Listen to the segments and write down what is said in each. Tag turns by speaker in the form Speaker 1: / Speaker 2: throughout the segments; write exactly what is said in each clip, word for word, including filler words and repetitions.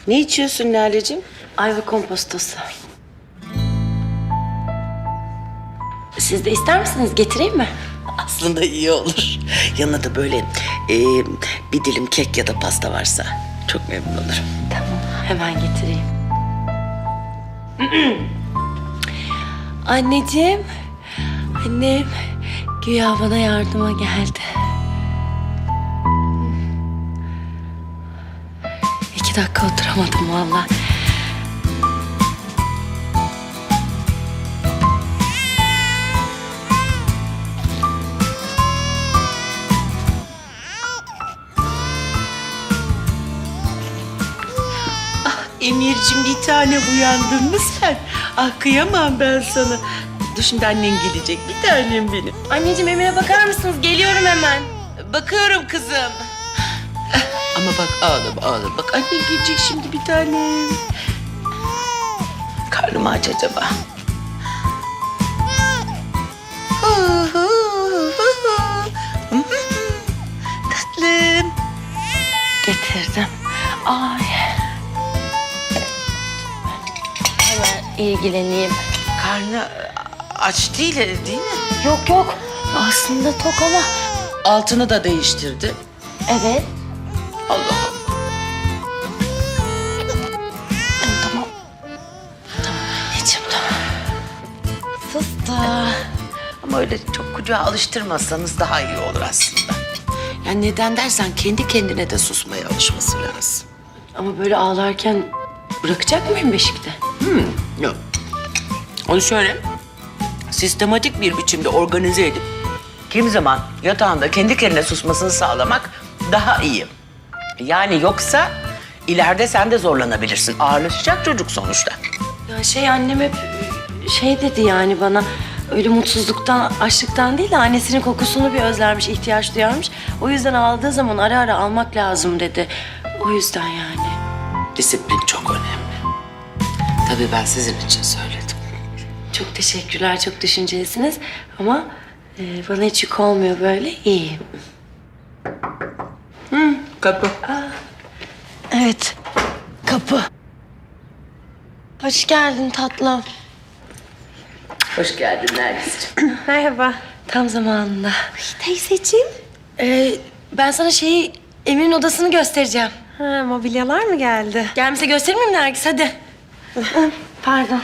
Speaker 1: Ne içiyorsun Lale'cim?
Speaker 2: Ayva kompostosu. Siz de ister misiniz? Getireyim mi?
Speaker 1: Aslında iyi olur. Yanına da böyle e, bir dilim kek ya da pasta varsa çok memnun olurum.
Speaker 2: Tamam, hemen getireyim. Anneciğim, annem güya bana yardıma geldi. İki dakika oturamadım vallahi.
Speaker 1: Emir'cim bir tane uyandın mı sen? Ah kıyamam ben sana. Dur şimdi annen gelecek. Bir tanem benim.
Speaker 2: Anneciğim Emir'e bakar mısınız? Geliyorum hemen.
Speaker 1: Bakıyorum kızım. Ama bak ağlama ağlama. Bak annen gelecek şimdi bir tanem. Karnım aç acaba? Tatlım.
Speaker 2: Getirdim. Ay. Hemen ilgileneyim.
Speaker 1: Karnı aç değil değil mi?
Speaker 2: Yok yok. Aslında tok ama.
Speaker 1: Altını da değiştirdi.
Speaker 2: Evet.
Speaker 1: Allah Allah.
Speaker 2: Tamam. Tamam anneciğim tamam. Fıstık.
Speaker 1: Ama öyle çok kucağa alıştırmazsanız daha iyi olur aslında. Yani neden dersen kendi kendine de susmaya alışması lazım.
Speaker 2: Ama böyle ağlarken bırakacak mıyım beşikte?
Speaker 1: Yok. Onu şöyle sistematik bir biçimde organize edip kimi zaman yatağında kendi kendine susmasını sağlamak daha iyi. Yani yoksa ileride sen de zorlanabilirsin. Ağırlaşacak çocuk sonuçta.
Speaker 2: Ya şey annem hep şey dedi yani bana öyle mutsuzluktan, açlıktan değil de annesinin kokusunu bir özlermiş, ihtiyaç duyarmış. O yüzden aldığı zaman ara ara almak lazım dedi. O yüzden yani.
Speaker 1: Disiplin çok önemli. Tabii ben sizin için söyledim.
Speaker 2: Çok teşekkürler, çok düşüncelisiniz ama e, bana hiç yük olmuyor böyle. İyi.
Speaker 1: Hı, kapı.
Speaker 2: Evet, kapı. Hoş geldin tatlım.
Speaker 1: Hoş geldin Nergis'ciğim.
Speaker 2: Merhaba. Tam zamanında. Teyzeciğim. Ee, ben sana şeyi, Emir'in odasını göstereceğim.
Speaker 3: Ha, mobilyalar mı geldi?
Speaker 2: Gelmişse göstereyim mi Nergis? Hadi. Pardon.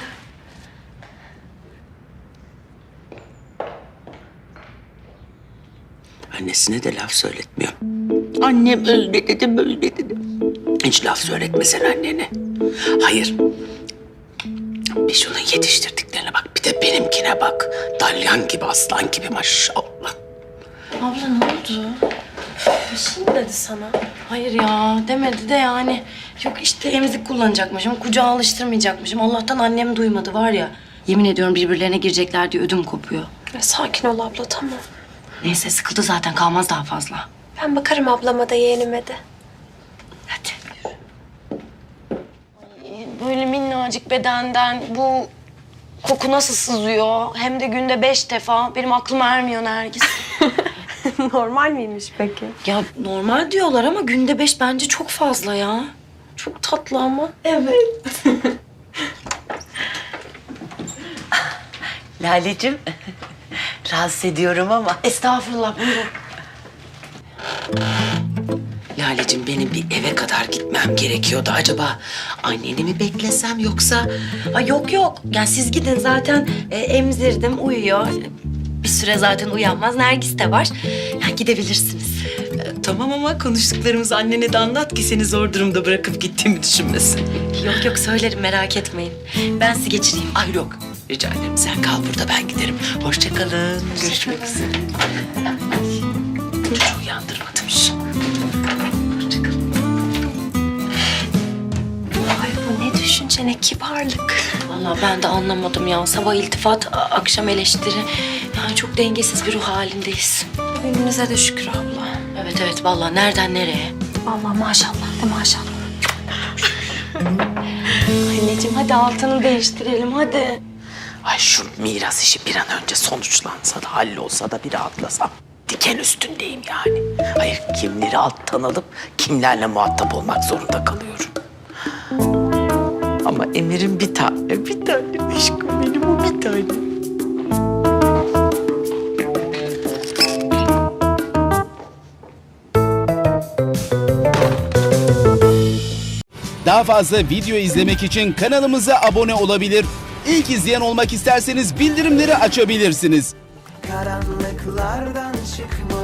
Speaker 1: Annesine de laf söyletmiyor. Annem öyle dedi, böyle dedi. Hiç laf söyletmesen annene. Hayır. Bir şunun yetiştirdiklerine bak, bir de benimkine bak. Dalyan gibi, aslan gibi maşallah.
Speaker 2: Abla ne oldu? Bir şey mi dedi sana? Hayır ya demedi de yani. Yok işte emzik kullanacakmışım, kucağa alıştırmayacakmışım. Allah'tan annem duymadı var ya. Yemin ediyorum birbirlerine girecekler diye ödüm kopuyor.
Speaker 3: Ya, sakin ol abla, tamam.
Speaker 2: Neyse sıkıldı zaten kalmaz daha fazla.
Speaker 3: Ben bakarım ablama da yeğenime de.
Speaker 2: Hadi. Ay, böyle minnacık bedenden bu koku nasıl sızıyor? Hem de günde beş defa. Benim aklım ermiyor Nergis.
Speaker 3: Normal miymiş peki?
Speaker 2: Ya normal diyorlar ama günde beş bence çok fazla ya. Çok tatlı ama.
Speaker 1: Evet. Lale'cim, rahatsız ediyorum ama.
Speaker 2: Estağfurullah buyurun.
Speaker 1: Lale'cim benim bir eve kadar gitmem gerekiyordu. Acaba anneni mi beklesem yoksa...
Speaker 2: Ay yok yok. Ya siz gidin zaten e, emzirdim uyuyor. Bir süre zaten uyanmaz. Nergis de var. Ya gidebilirsiniz.
Speaker 1: E, tamam ama konuştuklarımızı annene de anlat ki seni zor durumda bırakıp gittiğimi düşünmesin.
Speaker 2: Yok yok söylerim merak etmeyin. Ben sizi geçireyim.
Speaker 1: Ay yok, rica ederim. Sen kal burada, ben giderim. Hoşça kalın. Görüşmek üzere. Çocuğu uyandırmadım hiç. Hoşça kalın.
Speaker 2: Ay bu ne düşünce ne kibarlık. Vallahi ben de anlamadım ya. Sabah iltifat, a- akşam eleştiri. Yani çok dengesiz bir ruh halindeyiz.
Speaker 3: Önümüze de şükür abla.
Speaker 2: Evet evet vallahi nereden nereye?
Speaker 3: Vallahi maşallah de maşallah.
Speaker 2: Anneciğim hadi altını değiştirelim hadi.
Speaker 1: Ay şu miras işi bir an önce sonuçlansa da hallolsa da bir rahatlasam. Diken üstündeyim yani. Hayır kimleri alttan alıp kimlerle muhatap olmak zorunda kalıyorum. Ama Emir'in bir tane, bir tane aşkım benim o bir tane.
Speaker 4: Daha fazla video izlemek için kanalımıza abone olabilir. İlk izleyen olmak isterseniz bildirimleri açabilirsiniz.
Speaker 5: Karanlıklardan çıkmalı